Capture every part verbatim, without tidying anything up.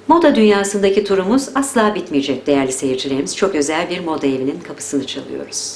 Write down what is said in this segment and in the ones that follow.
Moda dünyasındaki turumuz asla bitmeyecek değerli seyircilerimiz. Çok özel bir moda evinin kapısını çalıyoruz.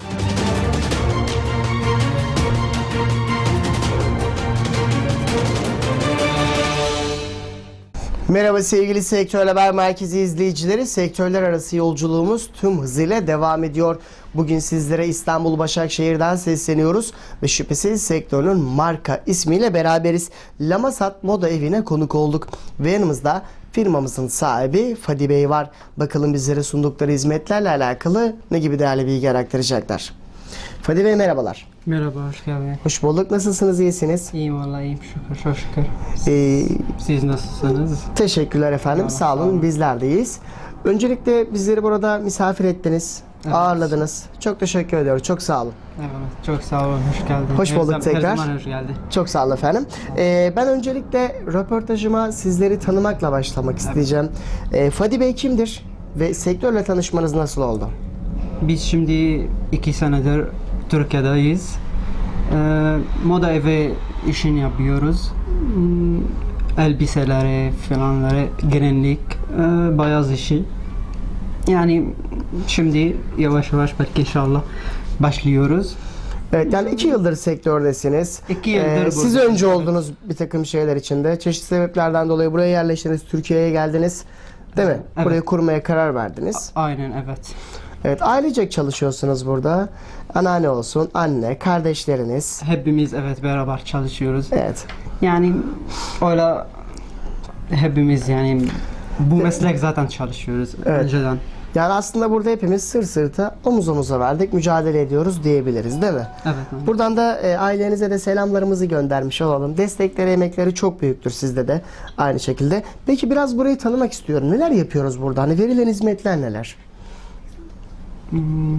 Merhaba sevgili Sektör Haber Merkezi izleyicileri. Sektörler arası yolculuğumuz tüm hızıyla devam ediyor. Bugün sizlere İstanbul Başakşehir'den sesleniyoruz ve şüphesiz sektörün marka ismiyle beraberiz. Lamasat Moda Evi'ne konuk olduk ve yanımızda firmamızın sahibi Fadi Bey var. Bakalım bizlere sundukları hizmetlerle alakalı ne gibi değerli bilgi aktaracaklar. Fadi Bey merhabalar. Merhaba, hoş geldin. Hoş bulduk. Nasılsınız? İyisiniz? İyiyim vallahi, iyiyim şükür, çok şükür. Ee, Siz nasılsınız? Teşekkürler efendim. Eyvallah, sağ olun. sağ olun. Bizler de iyiyiz. Öncelikle bizleri burada misafir ettiniz. Evet. Ağırladınız. Çok teşekkür ediyorum. Çok sağ olun. Evet, çok sağ olun, hoş geldin. Hoş Her bulduk zam- tekrar. Her zaman hoş geldin. Çok sağ olun efendim. Ee, ben öncelikle röportajıma sizleri tanımakla başlamak isteyeceğim. Ee, Fadi Bey kimdir? Ve sektörle tanışmanız nasıl oldu? Biz şimdi iki senedir Türkiye'deyiz. Ee, moda evi işini yapıyoruz. Hmm, elbiseleri falanları, gelinlik, e, beyaz işi. Yani şimdi yavaş yavaş belki inşallah başlıyoruz. Evet, yani iki yıldır sektördesiniz. İki yıldır Ee, Siz buradayım, önce evet. oldunuz bir takım şeyler içinde. Çeşitli sebeplerden dolayı buraya yerleştiniz. Türkiye'ye geldiniz. Değil mi? Evet. Burayı kurmaya karar verdiniz. Aynen, evet. Evet, ailecek çalışıyorsunuz burada. Anneanne olsun, anne, kardeşleriniz. Hepimiz evet beraber çalışıyoruz. Evet. Yani öyle hepimiz yani bu meslek zaten çalışıyoruz Evet. önceden. Yani aslında burada hepimiz sır sırta, omuz omuza verdik, mücadele ediyoruz diyebiliriz, değil mi? Evet. Aynen. Buradan da e, ailenize de selamlarımızı göndermiş olalım. Destekleri, emekleri çok büyüktür sizde de aynı şekilde. Peki biraz burayı tanımak istiyorum. Neler yapıyoruz burada? Hani verilen hizmetler neler? Hmm.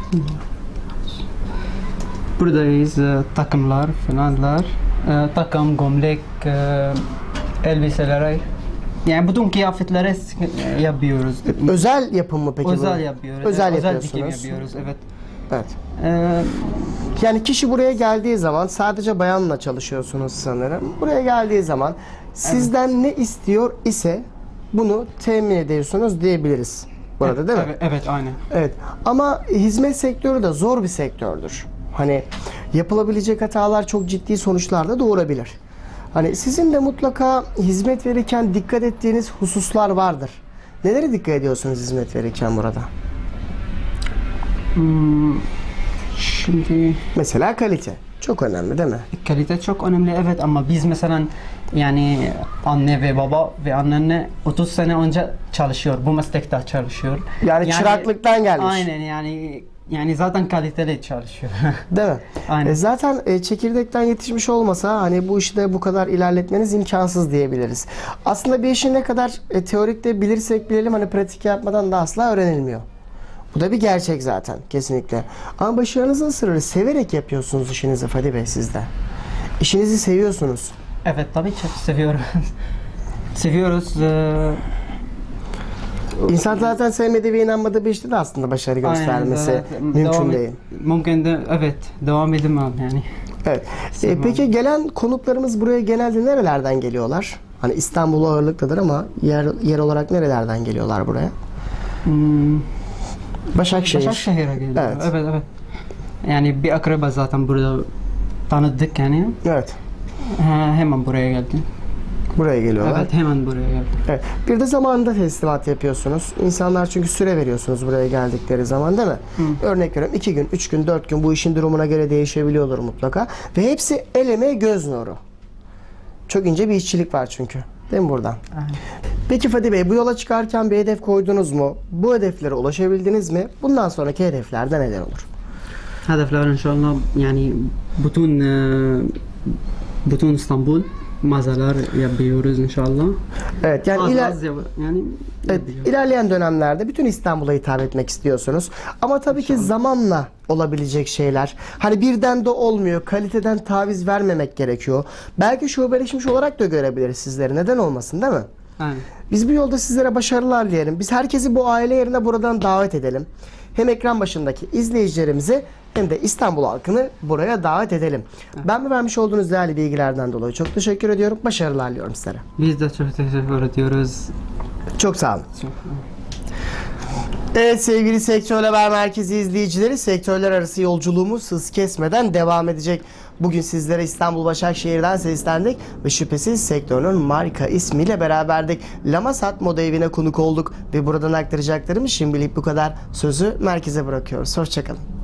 Buradayız e, takımlar, falanlar, e, takım, gömlek, e, elbiseler, yani bütün kıyafetleri e, yapıyoruz. Özel yapım mı peki Özel bu? yapıyoruz. Özel evet, özel yapıyorsunuz. dikim yapıyoruz. Evet. Evet. E, Yani kişi buraya geldiği zaman sadece bayanla çalışıyorsunuz sanırım. Buraya geldiği zaman sizden ne istiyor ise bunu temin ediyorsunuz diyebiliriz. Burada değil mi? evet, evet, aynen. Evet. Ama hizmet sektörü de zor bir sektördür. Hani yapılabilecek hatalar çok ciddi sonuçlar da doğurabilir. Hani sizin de mutlaka hizmet verirken dikkat ettiğiniz hususlar vardır. Nelere dikkat ediyorsunuz hizmet verirken burada? Hmm, şimdi Mesela kalite. Çok önemli değil mi? kalite çok önemli evet, ama biz mesela yani anne ve baba ve anneanne otuz sene önce çalışıyor. Bu meslekte çalışıyor. Yani, çıraklıktan gelmiş. Aynen, yani yani zaten kaliteli çalışıyor. Değil mi? Aynen. E zaten e, çekirdekten yetişmiş olmasa hani bu işi de bu kadar ilerletmeniz imkansız diyebiliriz. Aslında bir işi ne kadar e, teorikte bilirsek bilelim hani pratik yapmadan da asla öğrenilmiyor. Bu da bir gerçek zaten kesinlikle. Ama başarınızın sırrı severek yapıyorsunuz işinizi Fadi Bey siz de. İşinizi seviyorsunuz. Evet, tabii çok seviyoruz. Seviyoruz. Ee, İnsan zaten sevmediği ve inanmadığı bir işte de aslında başarı göstermesi aynen, evet. mümkün Devam- değil. Mümkün de evet, devam edemem yani. Evet. E, peki gelen konuklarımız buraya genelde nerelerden geliyorlar? Hani İstanbul ağırlıklıdır ama yer yer olarak nerelerden geliyorlar buraya? Hmm, Başakşehir. Başakşehir'e geliyor. Evet. Evet. evet, Yani bir akraba zaten burada tanıdık yani. Evet. Ha, hemen buraya geldim. Buraya geliyorlar. Evet, hemen buraya geldim. Evet. Bir de zamanında teslimat yapıyorsunuz. İnsanlar çünkü süre veriyorsunuz buraya geldikleri zaman değil mi? Hı. Örnek veriyorum iki gün, üç gün, dört gün bu işin durumuna göre değişebiliyordur mutlaka. Ve hepsi el emeği göz nuru. Çok ince bir işçilik var çünkü. Değil mi buradan? Aynen. Peki Fadi Bey bu yola çıkarken bir hedef koydunuz mu? Bu hedeflere ulaşabildiniz mi? Bundan sonraki hedeflerde neler olur? Hedefler inşallah yani bütün e, bütün İstanbul mağazalar yapıyoruz inşallah. Evet yani Az iler- az yap- yani Evet, yapıyoruz. ilerleyen dönemlerde bütün İstanbul'a hitap etmek istiyorsunuz. Ama tabii ki zamanla olabilecek şeyler. Hani birden de olmuyor. Kaliteden taviz vermemek gerekiyor. Belki şubeleşmiş olarak da görebiliriz sizleri. Neden olmasın değil mi? Aynen. Biz bu yolda sizlere başarılar dileyelim. Biz herkesi bu aile yerine buradan davet edelim. Hem ekran başındaki izleyicilerimizi hem de İstanbul halkını buraya davet edelim. Ben mi vermiş olduğunuz değerli bilgilerden dolayı çok teşekkür ediyorum. Başarılar diliyorum sizlere. Biz de çok teşekkür ediyoruz. Çok sağ olun. Çok- Evet sevgili Sektör Haber Merkezi izleyicileri, sektörler arası yolculuğumuz hız kesmeden devam edecek. Bugün sizlere İstanbul Başakşehir'den seslendik ve şüphesiz sektörün marka ismiyle beraberdik. Lamasat Moda Evi'ne konuk olduk ve buradan aktaracaklarımız şimdilik bu kadar. Sözü merkeze bırakıyoruz. Hoşçakalın.